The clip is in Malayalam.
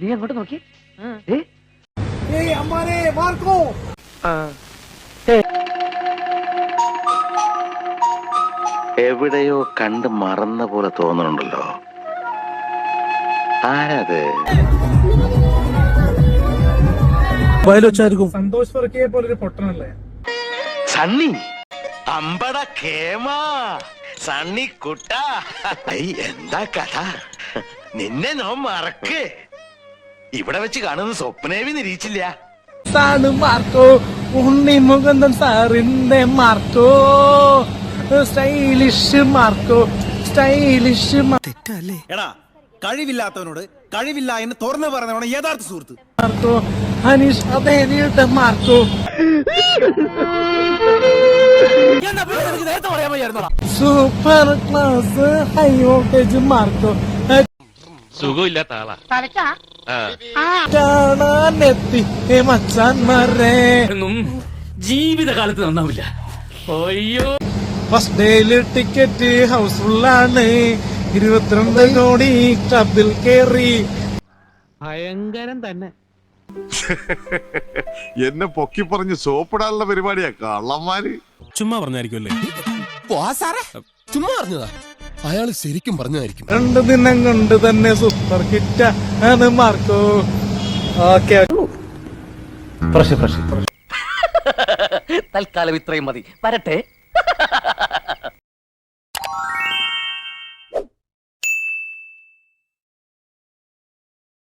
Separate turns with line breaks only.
നീ അങ്ങോട്ട് നോക്കി.
എവിടെയോ കണ്ട് മറന്ന പോലെ തോന്നുന്നുണ്ടല്ലോ. ആരത്?
സന്തോഷ് വർക്കിയെ പോലൊരു പൊട്ടനല്ലേ
സണ്ണി? അമ്പട കേമാ സണ്ണി കുട്ട. എന്താ കഥ? നിന്നെ നോ മറക്ക്. ഇവിടെ വെച്ച് കാണുന്ന സ്വപ്നേവി നിരീക്ഷില്ല.
സാണ് മാർക്കോ, ഉണ്ണി മുകുന്ദൻ സാറിന്റെ മാർക്കോ, സ്റ്റൈലിഷ് മാർക്കോ, സ്റ്റൈലിഷ്
തെറ്റല്ലേ എടാ? കഴിവില്ലാത്തവനോട് കഴിവില്ല എന്ന് തുറന്നു പറഞ്ഞവണ് യഥാർത്ഥ സുഹൃത്ത്.
മാർക്കോ, അനീഷ് അദേനിയുടെ Marco, super class high voltage Marco,
സുഖമില്ലാത്ത ആളാ.
കാണാനെത്തി മച്ചാന്മാരെ
ജീവിതകാലത്ത് നന്നാവില്ല. അയ്യോ,
ഫസ്റ്റ് ഡേയില് ടിക്കറ്റ് ഹൗസ്ഫുള്ളാണ്. 22 കോടി ക്ലബിൽ കേറി.
ഭയങ്കരം തന്നെ.
എന്നെ പൊക്കി പറഞ്ഞ് സോപ്പിടാനുള്ള പരിപാടിയാ കള്ളന്മാര്.
ചുമ്മാ പറഞ്ഞായിരിക്കുമല്ലേ? ചുമ്മാ പറഞ്ഞതാ. അയാൾ ശരിക്കും പറഞ്ഞതായിരിക്കും.
2 ദിനം കൊണ്ട് തന്നെ സൂപ്പർ ഹിറ്റ് ആണ് മാർക്കോ. ഓക്കെ,
തൽക്കാലം ഇത്രയും മതി. വരട്ടെ.